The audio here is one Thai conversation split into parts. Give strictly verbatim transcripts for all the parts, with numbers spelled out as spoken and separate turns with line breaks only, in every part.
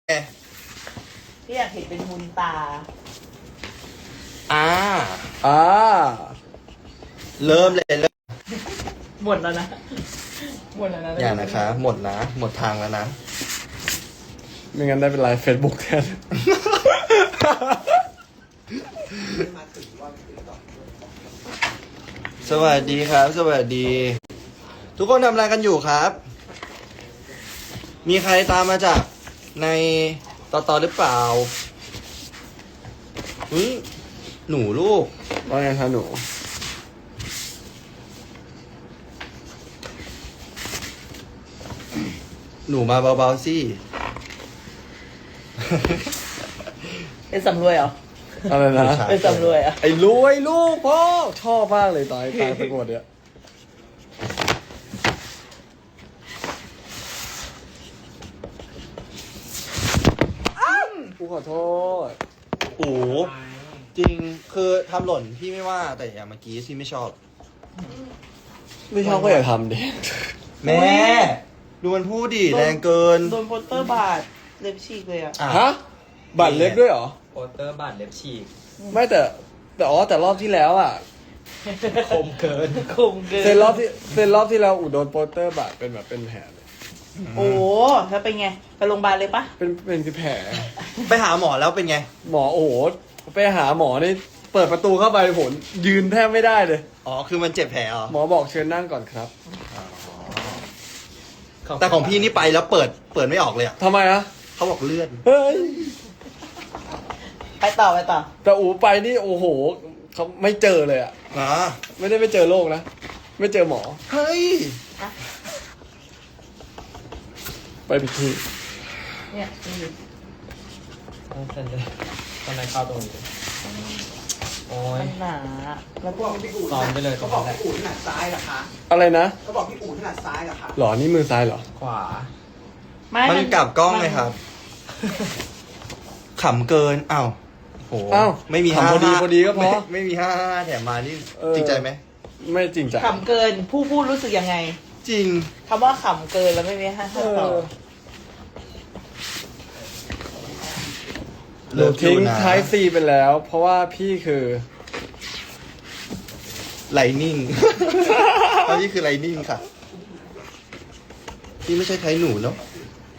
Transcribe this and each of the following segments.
พี่อยากเห็นเป็นมุนตา
อ่า
อ่า
เริ่มเลยเริ่ม
หมดแล้วนะ หมดแล้วนะ
อย่างนะคะ หมดนะ หมดทางแล้วนะ
ไม่งั้นได้เป็นไลฟ์เฟซบุ๊กแทน
สวัสดีครับ สวัสดี ทุกคนทำอะไรกันอยู่ครับ มีใครตามมาจากในต่อต่อหรือเปล่าอุ้ยหนูลูก
ว่าไงคะหนู
หนูมาเบาๆสิ
เป็นสำรวยเหรอ
อะไรนะ
เป็นสำรวยเหรอ่ะ
ไอ้รวยลูกพ่อ ชอบมากเลยตอนไอ้ตายประกวดเนี่ยกูขอโทษ
โอ้โหจริงคือทำหล่นพี่ไม่ว่าแต่อย่างเมื่อกี้ที่ไม่ชอบ
ไม่ชอบก็อย่าทำดิ
แม่ ดูมันพูดดิแรงเกิน
โดนโปสเตอร์บาดเล็บฉีกเลยอ่ะ
อ่ะ
ฮะ บัตรเล็บด้วยเหรอ
โปสเตอร์บาดเล็บฉีก
ไม่แต่ แต่อ๋อแต่รอบที่แล้วอ่ะ
คมเกิน
คมเกิน
เซนรอบที่เซนรอบที่แล้วอุดโดนโปสเตอร์บาดเป็นแบบเป็นแผลเลย
โอ้แล้วเป็นไง ไปโรงพยาบาลเลยปะ
เป็นเป็นแผล
ไปหาหมอแล้วเป็นไง
หมอโอ้โหไปหาหมอนี่เปิดประตูเข้าไปผลยืนแทบไม่ได้เลย
อ๋อคือมันเจ็บแผลเหรอ
หมอบอกเชิญนั่งก่อนครับ
แต่ของพี่นี่ไปแล้วเปิดเปิดไม่ออกเลยอ่ะ
ทำไมอะ
เขาบอกเลื่อน
เฮ้ย
ไปต่อไปต่อ
แต่อูไปนี่โอ้โหเขาไม่เจอเลยอะ
นะ
ไม่ได้ไม่เจอโรคนะไม่เจอหมอ
เฮ้ย
ไปผิดที่
เนี่ยนี่
ต้องเซ็นเลยตอนไหนเข้าตรงนี้ดิโอ้ย
มันหนาแล้วก็
ซ้อมไปเลยตรงนั้นแหละ
อู่ถนัดซ้ายเหรอคะ
อะไรนะ
เขาบอกพี่อู่ถนัดซ้ายเหรอคะ
หรอนี่มือซ้ายเหรอ
ขวา
ไม่
มันกลับกล้องเลยครับขำเกินอ้าวโห
อ้าว
ไม่มี
ทำพอดีพอดีก็พอ
ไม่ไม่มีห้าห้าแถมมานี่
เออ
จริงใจไหม
ไม่จริงจัง
ขำเกิน ผู้พูดรู้สึกยังไง
จริง
คำว่าขำเกินแล้วไม่มีห้า
เอ
ห้าต่อ
อหนูทิ้งท้ายซีไปแล้ว เพราะว่าพี่คือ
ไลนิ่ง อันนี้คือไลนิ่งค่ะพี่ไม่ใช่ไทยหนูเนาะ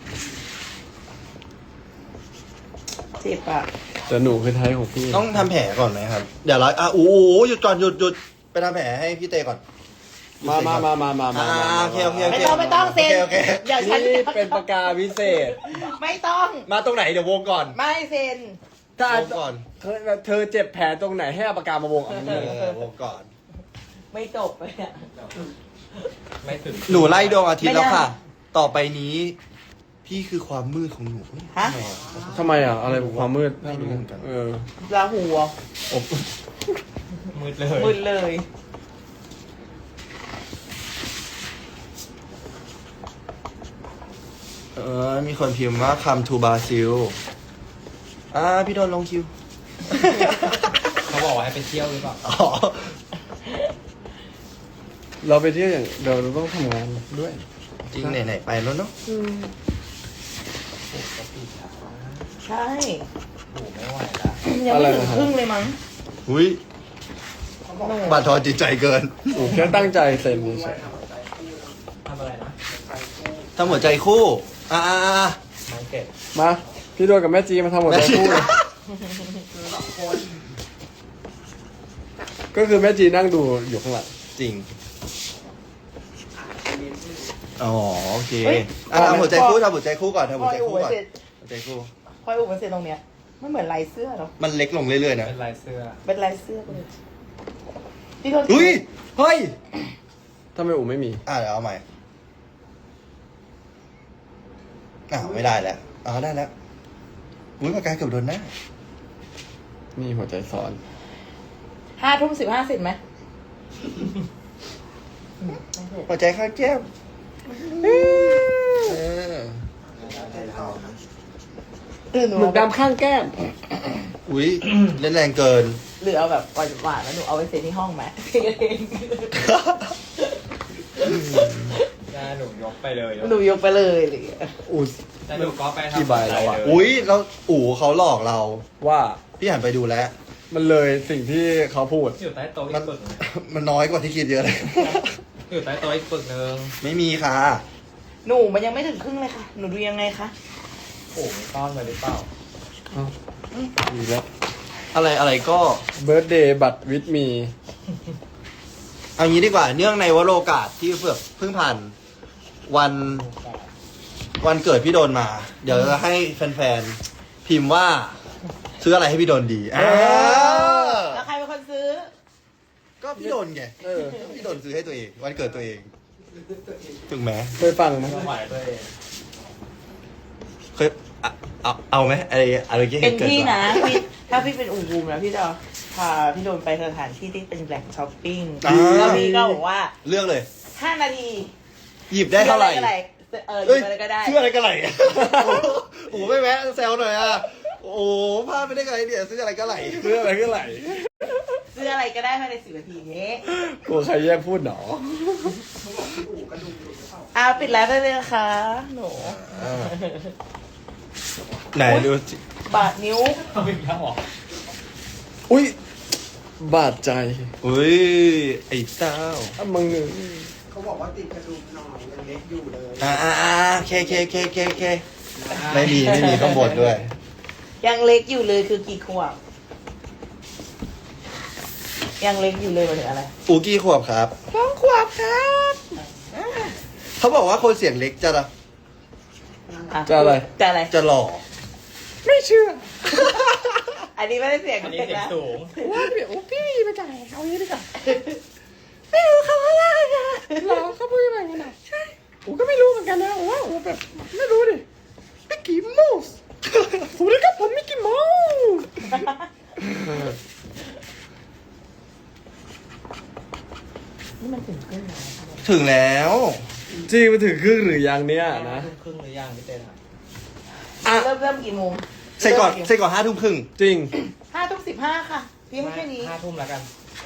เจ็บอ่ะ
แต่หนูคือไทยของพี่
ต้องทำแผลก่อนไหมครับ เดี๋ยวเราอ่ะโอ้โหหยุดก่อนหยุดหยุดไปทำแผลให้พี่เตก่อน
มามามามามามา
อ่า
มา
โอเคโอเคโอ
ไม่
เค
ต้องไม่ต้องเซ็น
โอเคโอเค
อย่าฉัน
นี่เป็นปากกาพิเศษ
ไม่ต้อง
มาตรงไหนเดี๋ยววงก่อน
ไม่เซ็น
ถ้าว
งก่อน
เธอเธอเจ็บแผลตรงไหนให้เอาปากกามาวงเอา
เออวงก่อน
ไม่จบเลยอ่ะ
ไม่ถึง
หนูไล่ดวงอาทิตย์แล้วค่ะ
ไม่ได้
ต่อไปนี้ พี่คือความมืดของหนู
ฮะ
ทำไมอ่ะ
ทำไมอ่ะ อะไรความมืด
ไม่รู้เหมือนกัน
เออ
ลาหูอ่ะ
อบ
มืดเลย
มึนเลย
เออ มีคนพิมพ์ว่าคัมทูบาซิลอ่า พี่โดนลงคิว
เขาบอกว่าให้ไปเที่ยวหรือเปล่า
อ๋อ
เราไปเที่ยวอย่างเดี๋ยวเราต้องทำงานด้วย
จริงไหนๆไปแล้วเนาะ
ใช่
โอ้ไม่ไหวละ
ยังไม่ถึงครึ่งเลยมั้ง
อุ้ยบาดทอนจิตใจเกิน
หนูแค่ตั้งใจเซ็นเฉย
ทำอะไรนะ
ทำหัวใจคู่ อ่าอ่าอ่า
มันเก็บ
มา พี่โดนกับแม่จีมาทำหมดใจคู่เลยก็คือแม่จีนั่งดูอยู่ข้างหลัง
จริง อ๋อ โอเค
เฮ้ย
อ่ะทำหัวใจคู่ทำหัวใจคู่ก่อนทำ
พ
หั
อ
วใจ
ไอ้อู๋
คู่ก่อน
เสร็จ
หัวใจคู่
พอไอ้อู๋มันเสร็จตรงเนี้ยไม่เหมือนลายเสื้อหรอ
มันเล็กลงเรื่อยๆนะ
เป็นลายเสื้อ
เป็นลายเสื้อไปเลยพี่โดน
อุ้ย เฮ้ย
ถ้าไม่อู๋ไม่มี
อ่ะเดี๋ยวเอาใหม่อ้าวไม่ได้แล้วอ๋อได้แล้วอุ้ยปากกาเกือบโดนหน้า
นี่หัวใจซ้อน
ห้าทุ่มสิบห้าเสร็จไหม
หัวใจข้างแก้มเออ
ตื่นหนู
หมึกดำข้างแก้ม
อุ้ยเล่นแรงเกิน
หรือเอาแบบหวานๆแล้วหนูเอาไปเซ็นที่ห้องไหมเอง
หน้าหนูยกไปเลย
หนูยกไปเลยอะไรอย่างเงี้ย
อู๋
แต่ดูก็ไปทำ
กี่ใบแล้วอะ
เลย
อุ้ยเราอู๋เขาหลอกเรา
ว่า
พี่หันไปดูแล้ว
มันเลยสิ่งที่เขาพูด
อยู่ใต้โต๊ะอี
มัน
กปึกหนึ่ง
มันน้อยกว่าที่คิดเยอะเลย
อยู่ใต้โต๊ะอีกปึกหนึ่ง
ไม่มีค่ะ
หนูมันยังไม่ถึงครึ่งเลยค่ะ หนูดูยังไงคะ
โอ้โหซ่อนไว้หรือเปล่า
ดีแล้ว
อะไรอะไรก็
เบิร์ดเดย์บัตรวิดมี
เอางี้ดีกว่า เนื่องในวโรกาสที่เพิ่งเพิ่งผ่านวันวันเกิดพี่โดนมา เดี๋ยวจะให้แฟนๆพิมพ์ว่า ซื้ออะไรให้พี่โดนดีอ่า
แล้วใครเป็นคนซื้อ
ก็พี่โดนไง
เออ
พี่โดนซื้อให้ตัวเอง วันเกิดตัวเองถูกไหม
เคยฟังไหม
ไม่ไหวตัวเอง
เคยเอาเอาเอาไหมอะไรอะไรที่
เป็น
เกิด
พี่
มา
นะพี่ถ้าพี่เป็นอูบูมนะพี่จะพาพี่โดนไปสถานที่ที่เป็นแหล่งช้อปปิ้ง
อ่า
แล้วพี่ก็บอกว่า
เลือกเลย
ห้านาที
หยิบได้เท่าไหร่
ซื้ออะก็ด้เออหยิ
เอ้ย
บอะไรก็ได้
ชื่ออะไรกันไหลโอ้โหโอ้โหไม่แม้แซวหน่อยอ่ะ โอ้โหพลาดไปได้ไงเนี่ยซื้ออะไรกันไหล
เรื่องอะไรก็ไหล
ซื้ออะไรก็ได้ภายในสิบนาทีนี้
กลัวใครแย่งพูดหนอ
เอาปิดไลฟ์ได้เลยนะคะ หนู
อ่าไหนดูสิ
บาดนิ้ว
เอาอีกแล้วเหรอ
อุ้ย บาดใจ
อุ้ยไอ้เต้า
อ่ะมึงหนึ่ง
เขาบอกว่าติดกระดุมหน่อยยังเล็กอยู่เลย
อ่าอ่าอ่าเคเคเคเคเคไม่มีไม่มีข้างบนด้วย
ยังเล็กอยู่เลยคือกี่ขวบยังเล็กอยู่เลยหมายถึงอะไร
อูกี่ขวบครับ
สองขวบครับ
เขาบอกว่าคนเสียงเล็กจะ
อ่
จะอะไร
จะอะไร
จะหล่อ
ไม่เชื่อ
อันนี้ไม่ได้เสียง
อันนี้
เด็ก
เสียง
นะ
สูง
ว่าพี่โอ้พี่มาจากไหนเอางี้ดีกว่า
ไม่รู้เขาว่าอะไรนะ
เหรอเขาพูดอะไรกันอ่ะใช่ผมก็ไม่รู้เหมือนกันนะผมว่าผมแบบไม่รู้ดิมิกกี้เมาส์สวัสดีครับผมมิกกี้เมาส์
นี่มันถึงขึ้นแล้ว
ถึงแล้ว
จริงมาถึงครึ่งหรือยังเนี่ยนะ
ครึ่งหรือยังพี่เต้นอะ
อ่ะ
เริ่มเริ่มกี่โมง
ใส่ก่อนใส่ก่อนห้าทุ่มครึ่ง
จริง
ห้าทุ่มสิบห้าค่ะพี่ไม่แค่นี้
ห้าทุ่มแล้วกัน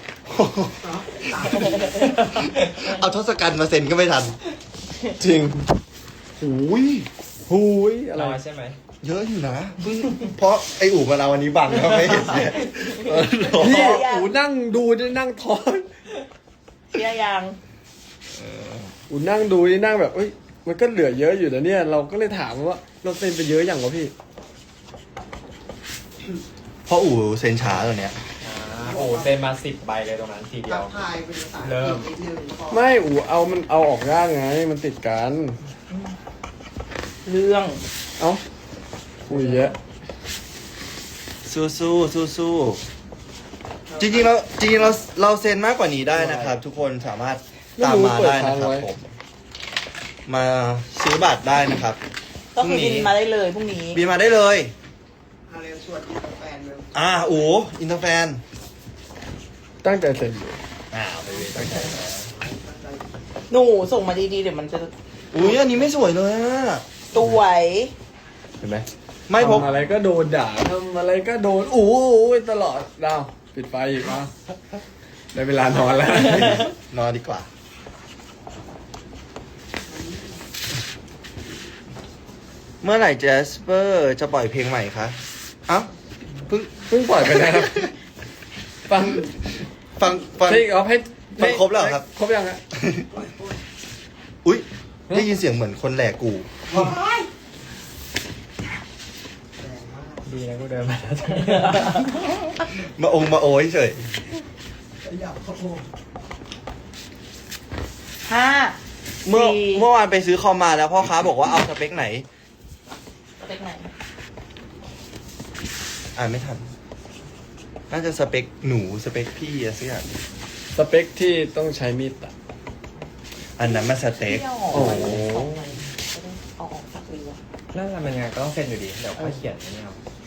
เอาทศกัณฐ์มาเซ็นก็ไม่ทัน
จริง
หูย
หุยอะไร
น้อยใช่ไหม
เยอะอยู่นะเพิ่งเพราะไออู่มาเราวันนี้บังแล้วไม่เห็นเนี่ยเออ
พี่อูนั่งดูได้นั่งทอน
เชียร์ยัง
อูนั่งดูนี่นั่งแบบเอ้ยมันก็เหลือเยอะอยู่นะเนี่ย เราก็เลยถามว่าเราเซ็นไปเยอะอย่างวะพี่
เพราะอู่เซ็นช้าตัวเนี้ย
อ่าโอ้เซ็นมาสิบใบเลยตรงนั้นทีเดีย
ทั
ว
กทายเป็นภาษา
เริ่ม
นิดนึงพอ
ไม่อูเอามันเอาออกยากไง มันติดกัน
เรื่อง
เอ้าคุยเยอะ
สู้สู้สู้สู้จริงๆเราจริงๆเราเราเซ็นมากกว่านี้ได้นะครับ ทุกคนสามารถตามมาได้นะครับผม มาซื้อบัตรได้นะครับ
ก็คือ
พรุ่งนี้
บินมาได้เลยพรุ่งนี้
บินมาได้เลย
อาเรียนชวนกินกาแฟเลย
อ่าอูอินเตอร์แฟน
ตั้งใจเซ็นอยู่
อ่าไปเลยตั้งใจ
หนูส่งมาดีๆเดี๋ยวมันจะ
อุ้ยอันนี้ไม่สวยเลยอะ
สวย
เห็นไหม
ไม่พบ
ทำอะไรก็โดนด่าทำอะไรก็โดนอู้ยตลอดดาวปิดไฟอีกอ่ะได้เวลานอนแล้ว
นอนดีกว่า เมื่อไหร่เจสเปอร์จะปล่อยเพลงใหม่คะเอ้าเพิ่ง
เพิ่งปล่อยไปนะครับ ฟัง
ฟังฟัง
เพลงเอาให้
ฟังครบแล้วเหรอครับ
ครบยังฮะ
อุ้ยได้ยินเสียงเหมือนคนแหลกกู
ดีนะกูเดินมาแล้ว
มาองค์มาโอ้ยเฉย
อยากเขาโ
ห้า
เมื่อ
สี่
เมื่อวานไปซื้อคอมมาแล้วพ่อค้าบอกว่าเอาสเปคไหน
สเปคไหน
อ่านไม่ทัน น่าจะสเปคหนูสเปคพี่อะสักอย่าง
สเปคที่ต้องใช้มีดตัด
อันนั้นมันสเต็ก
ที่เอาออก
โอ้
ไป
โห
สองใบก็ได้เอาออกสักเรือ
นั่นแหละมันยังไงก็ต้องเซ็นอยู่ดี เดี๋ยวค่อยเขียนไม่เอา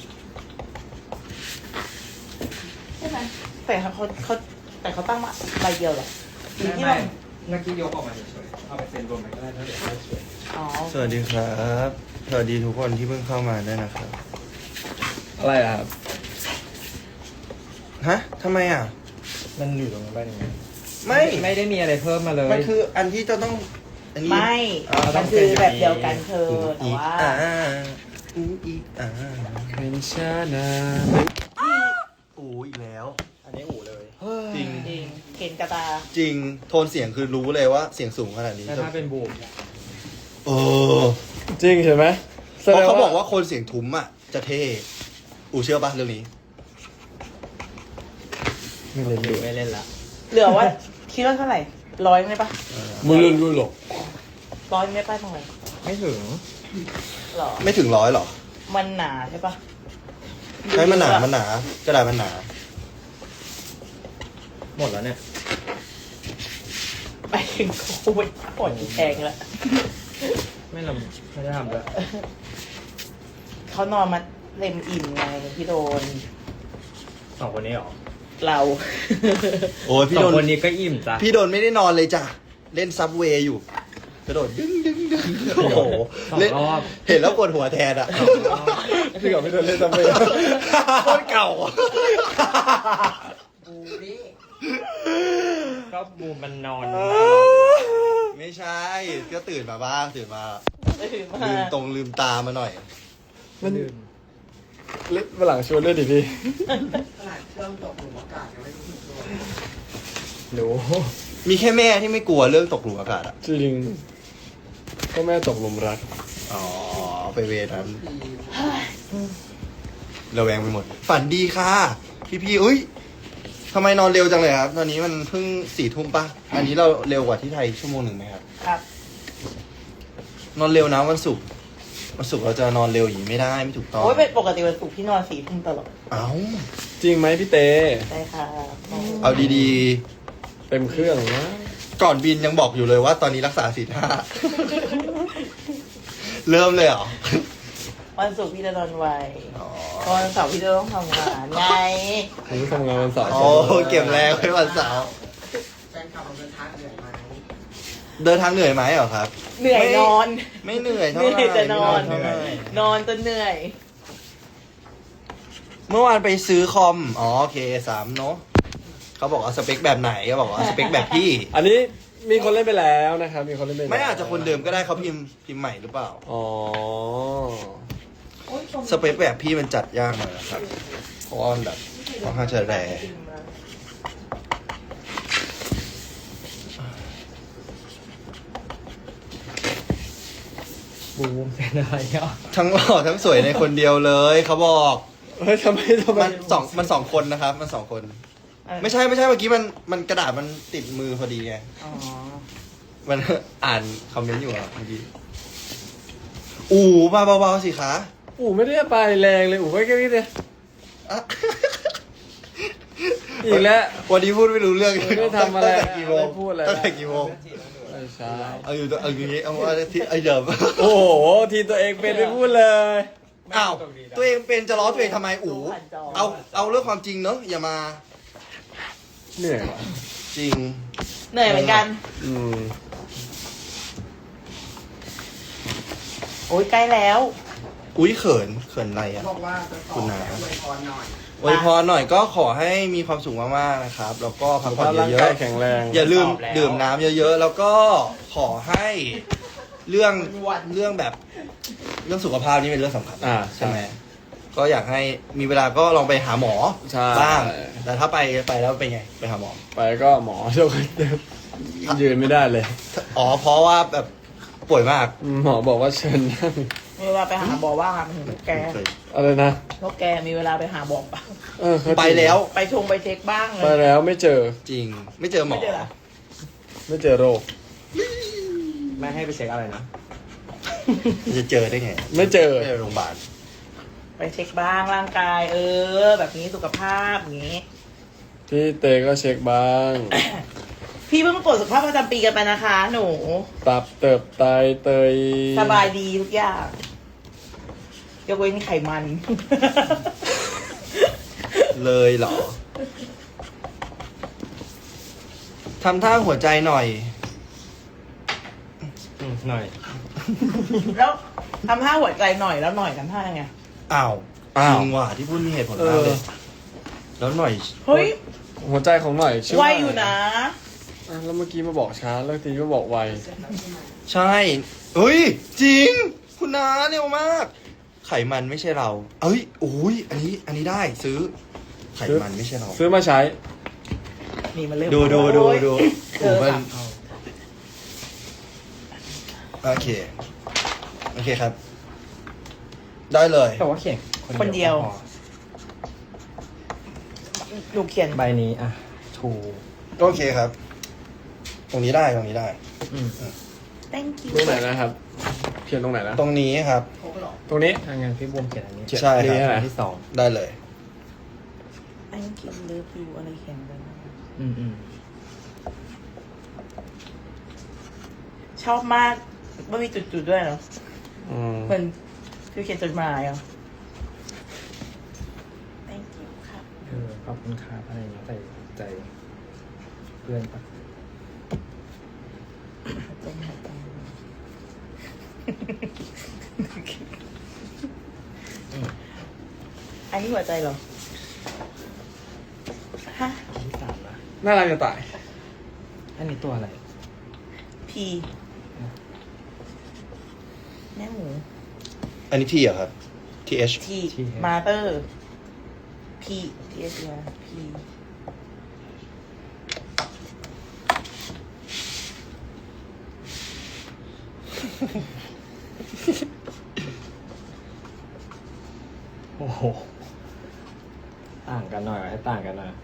ใช่ไหมแต่เขาเขาเขาแต่เขาตั้งมาใบเดียวเหรอหรือ
ไม่
ที่
ไม่
เรา
เมื่อกี้ยกออกมาเฉยๆเอาไปเซ็นรวมกันก็ได้แล้วเดี๋ยวค่อยเขียน
อ๋อ
สวัสดีครับ สวัสดีทุกคนที่เพิ่งเข้ามาด้วยนะครับ
อะไรอะครับ
ฮะทำไมอ่ะ
มันอยู่ตรงนั้นได้ยังไง
ไม่
ไม่ได้มีอะไรเพิ่มมาเลย
มันคืออันที่จะต้องอันนี้
ไม่
อ่าต้
มั
อน ง
คือแบบเดียวกันเธอ
อู
แต่
อี
ว่า
อ่าอูอีอ่า
เป็นชานา
อูอีกแล้ว
อันนี้อู่เลย
จริง
จริงเห็นกระตา
จริงโทนเสียงคือรู้เลยว่าเสียงสูงขนาดนี้
แต่ถ้าเป็นบูม
เออ
จริงเห็นไหม
เพราะเขาบอกว่าคนเสียงทุ้มอ่ะจะเท่อูเชื่อปะเรื่องนี้
ไม่เล่นด้วย
ไม่เล่นละ
เหลือว่าคิดว่าเท่าไหร่ร้อยไหมปะ
มึงเล่นด้วยหรอก
ร้อยไหมปะทำไม
ไม่ถึง
หรอ
ไม่ถึงร้อยหรอ
มันหนาใช่ปะ
ใช่มันหนามันหนากระดาษมันหนา
หมดแล้วเนี่ย
ไปถึงโควิดปวดแทงแล้ว
ไม่ลำไม่ได้ทำด้วย
เขานอนมาเต็มอิ่มไงพี่โดน
สองคนนี้เหรอ
เรา
โอ้ยพี่
สอ
โด
ง
น
คนนี้ก็อิ่มจ้ะ
พี่โดนไม่ได้นอนเลยจ้ะเล่นซับเวย์อยู่ กระโดดดึงดึงดึงโอ้โห
สอง
เล่น
รอบ
เห็นแล้วปวดหัวแทนอ่ะ
พี่กับพี่โดนเล่นทำไม
โคตรเก่า
บูนี่
ก็บูมมันนอน
ไม่ใช่ ก็ตื่นมาบ้างตื่นมา
ตื่นมา
ลืมตรงลืมตามาหน่อย
มันเล่นวันหลังชวนเล่นดิพี่
ขนาดเครื่องตกหลุมอากาศยังไม่รู้สึกตัว
หนู
มีแค่แม่ที่ไม่กลัวเรื่องตกหลุมอากาศอ่ะ
จริงก็แม่ตกหลุมรัก
อ๋อ ไปเวรนั้น
ที
ระแวงไปหมด ฝันดีค่ะ พี่พี่ๆอุ้ยทำไมนอนเร็วจังเลยครับ ตอนนี้มันเพิ่งสี่ทุ่มปะอันนี้เราเร็วกว่าที่ไทยชั่วโมงหนึ่งไหมครับ
ครับ
นอนเร็วนะวันศุกร์วันศุกร์เราจะนอนเร็วอย่างนี้ไม่ได้ไม่ถูกต้อง
โอ้ยเป็นปกติวันศุกร์พี่นอนสี่ทุ่มตลอด
เอ้า
จริงไหมพี่เต
ใช่ค่ะ
เอาดี
เต็มเครื่องนะ
ๆ ก่อนบินยังบอกอยู่เลยว่าตอนนี้รักษาศีลห้า เริ่มเลยเหรอ
วันศุกร์พี่จะนอนไว
อ๋อ
เพราะวันเสาร์พี่จะต้องทำงานไง
ผมทำงานวันเสาร์
โอ้เก็บแรงไว้วันเสาร์
แฟนคลับเราเดินทางเหนื่อยไหม
เดินทางเหนื่อยไหมเหรอครับ
เหนื่อยนอน
ไม่เหนื่อย
เห
เท่าไหร่
นื่อยจะนอน
ไม่เหยเท่าไหร่
นอนจนเหนื่อย
เมื่อวานไปซื้อคอม อ๋อโอเคสามเนาะเขาบอกว่าสเปคแบบไหนเขาบอกว่าสเปคแบบพี่
อันนี้มีคนเล่นไปแล้วนะครับ มีคนเล่นไปแล้ว
ไม่อาจจะคนเดิมก็ได้เขาพิมพ์พิมพ์ใหม่หรือเปล่า
อ๋อ
สเปคแบบพี่มันจัดยากหน่อยนะครับ เพราะว่ามันแบบค่อนข้างจะแรง
บูมเป็นอะไรอ่ะ
ทั้งหล่อทั้งสวยในคนเดียวเลยเขาบอก
เฮ้ยทำไมทำไม
มันสองมันสองคนนะครับ มันสองคน ไม่ใช่ไม่ใช่เมื่อกี้มันมันกระดาษมันติดมือพอดีไง
อ๋อ
มัน อ่านคอมเมนต์อยู่อะเมื่อกี้อู๋มาเบาๆสิคะ
อู๋ไม่ได้ไปแรงเลยอู๋ก็แค่นี้เลย
อ่ะ
อีกแล้ว
วันนี้พูดไม่รู้เรื่อง
ไม่ได้ทำอะไร
ตั้งแต่กี่โมง
ไม่พูดอะไร
ตั้งแต่กี่โมง
ไม่ใช่
เอาอยู่เอาอย่างงี้เอาว่าที่ไอเดิม
โอ้โห ทีตัวเองเป็นไม่พูดเลย
อ้าวตัวเองเป็นจะล้อตัวเองทำไมอู๋เอาเอาเรื่องความจริงเนอะอย่ามา
เหนื่อยว่ะ
จริง
เหนื่อยเหมือนกัน
อืม
โอ้ยใกล้แล้ว
อุ้ยเขินเขินอะไรอ่ะ
บอกว่าจะต่อแล้วอวยพรหน่อย
อวยพรหน่อยก็ขอให้มีความสุขมากๆนะครับ แล้วก็พักผ่อน
ร่าง
เย
กาย
อะ
แข็งแรง
ๆอย่าลืมดื่มน้ำเยอะๆ แล้วก็ขอให้เรื่องเรื่องแบบเรื่องสุขภาพนี่เป็นเรื่องสำคัญ
อ่า
ใช่ไหมก็อยากให้มีเวลาก็ลองไปหาหมอ
ใช่
บ้าง แต่ถ้าไปไปแล้วเป็นไงไปหาหมอ
ไปก็หมอเดี๋ยวก็ยืนไม่ได้เลย
อ๋อเพราะว่าแบบป่วยมาก
หมอบอกว่าเชิญนั่ง
มีเวลาไปหาบอว่างอะมันถึงพวกแก
เคย
อะไรนะ
พวกแกมีเวลาไปหาบอกปะ
เออเขาจริง
ไปแล้ว
ไปชงไปเช็คบ้างเล
ไป
ย
แล้วไม่เจอ
จริง ไม่เจอหมอ
ไม่เจอเหรอ
ไม่เจอโรค
ไม่ให้ไปเช็คอะไรนะ
จะเจอได้ไง
ไม่เจอ
ไม่เจอโรงพยาบาล
ไปเช็คบ้างร่างกาย เออ แบบนี้สุขภาพอย่างนี้
พี่เตก็เช็คบ้าง
พี่เพิ่งตรวจสุขภาพประจำปีกันไปนะคะ หนู
ตับเติบไตเตย
สบายดีทุกอย่างยกเว้นไขมัน
เลยเหรอทำท่าหัวใจหน่อย
อืมหน่อย
แล้วทำท่าหัวใจหน่อยแล้วหน่อยทำท่ายังไง
อ้าว
อ้าว
จริงว่ะที่พูดมีเหตุผลมากเลย แล้วหน่อย
เฮ้ย
หัวใจของหน่อยชื่อ
ไว
ว่า
อยู่นะ
อ่ะแล้วเมื่อกี้มาบอกช้าแล้วทีก็บอกไว
ใช่เฮ้ย จริง คุณนาเร็วมาก ไขมันไม่ใช่เรา เอ้ยโอ้ยอันนี้ อันนี้ได้ซื้อ ไขมันไม่ใช่เรา
ซื้อมาใช้
นี่มันเริ่ม
ดูดูดูดู
เออ
โอ้มัน
สามเท่า
โอเค โอเคครับ ได้เลย
แต่ว่าเขียน
คนเดียว
ก็พอ
หนูเขียน
ใบนี้อ่ะทู
โอเคครับ ตรงนี้ได้ตรงนี้ได้
อืม
thank you
ตรงไหนนะครับ เขียนตรงไหนนะ
ตรงนี้ครับ
ตรงนี้
ถ้างั้นพี่บวมเขียนอันนี้
ใช่ครับ
นี่อะไร
อันที่สอง
ได้เลย
thank you love you อะไรเขียนกัน
อืมอืม
ชอบมากว่ามีจุดๆด้วยเหรอ
อืม
เหมือนคือเขียนจดหมายเหรอ thank you ครับ
เออขอบคุณครับอะไรอย่างเงี้ยใส่ใจเพื่อนปะ
ใจหายใจอันนี้หัวใจเหรอ ฮะ
อันที่สามนะ
น่ารักจะตาย
อันนี้ตัวอะไร
พีแม่หมู
อันนี้ทีเหรอครับ ที H
ทีมาเตอร์พีทีเอสพี
โอ้โหต่างกันหน่อยให้ต่างกันหน่อย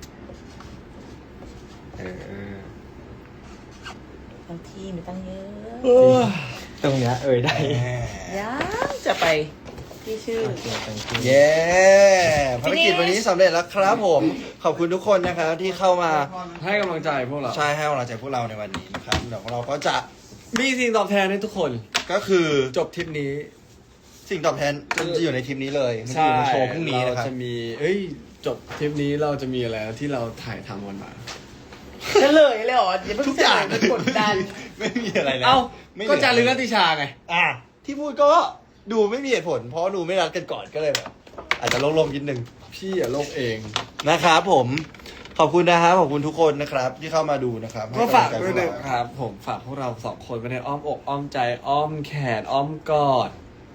เออ
บางทีมีตั้งเยอะ
ตรงเนี้ยเอ่ยได้
ยังจะไปที่ชื่อ
โอเค thank you
เย้ภารกิจวันนี้สำเร็จแล้วครับผม ขอบคุณทุกคนนะครับที่เข้ามา
ให้กำลังใจพวกเรา
ใช่ให้กำลังใจพวกเราในวันนี้นะครับเดี๋ยวเราก็จะ
มีสิ่งตอบแทนให้ทุกคน
ก็คือ
จบทริปนี้
สิ่งตอบแทนจะอยู่ในทีมนี้เลยมันจะอยู่ในโชว์พรุ่งนี้นะครับ
เราจะมี เอ้ย จบทริปนี้เราจะมีอะไรที่เราถ่ายทำกันมา
จะเลยเลยเหรออย่าเพิ่ง
ทุกอย่าง
เฉลมันกดดัน
ไม่มีอะไรแล้ว
เอ้า
ไม่
ก็
เหลือ
จารึกนัตติชาไง
อ่ะที่พูดก็ดูไม่มีเหตุผล เพราะดูไม่รัดกันก่อนก็เลยแบบอาจจะโล่งๆนิดนึง
พี่อย่าโลกเอง
นะครับผมขอบคุณนะครับขอบคุณทุกคนนะครับ ที่เข้ามาดูนะครับ
ก็ฝาก
ให้ำ
ด้
ลั
วย
งใจพก
นะ
เร
ครับ ผมฝากพวกเราสองคนไว้ในอ้อมอกอ้อมใจ อ้อมแขนอ้อมกอด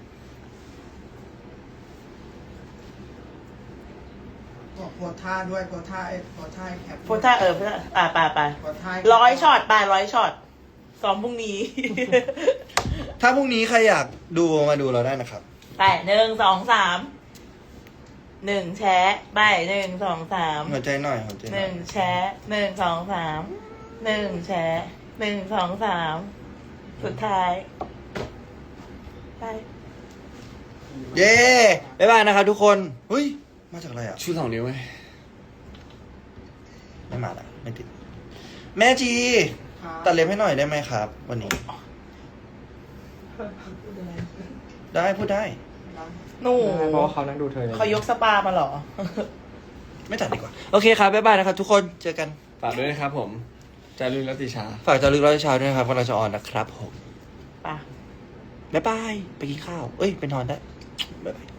บอกโพสท่าด้วยโพสท่าไอ้โพสท่าไอ้แคป
โพสท่าเออโพสท่าอ่าไปไป
โพสท่า
ร้อยช็อตไปร้อยช็อตซ้อมพรุ่งนี้
ถ้าพรุ่งนี้ใครอยากดูมาดูเราได้นะครับ
ไปหนึ่งสองสามหนึ่งแชะไปหนึ่งสองสาม
หัวใจหน่อยหัวใจ
ห
หน่อ
นึ่
ย
งแชะหนึ่งสองสามหนึ่งแชะหนึ่งสองสามสุดท้ายไป
เย้บ๊ายบายนะครับทุกคนเฮ้ยมาจากอะไรอ่ะ
ชูสองนิ้วไง
ไม่มาละไม่ติด แม่จีตัดเล็บให้หน่อยได้ไหมครับ วันนี้ ได้พูดได้
หนู
เพราะว่าเขานั่งดูเธอ
เขายกสปามาเหรอ
ไม่ตัดดีกว่า โอเคครับบ๊ายบายนะครับทุกคนเจอกัน
ฝากด้วยนะครับผม จารึกนัตติชา
ฝากจารึกร้อยเช้าด้วยนะครับวันเราจะออนนะครับผม
ป่ะ
บ๊ายบายไปกินข้าว เอ้ยไปนอนได้บ๊ายบาย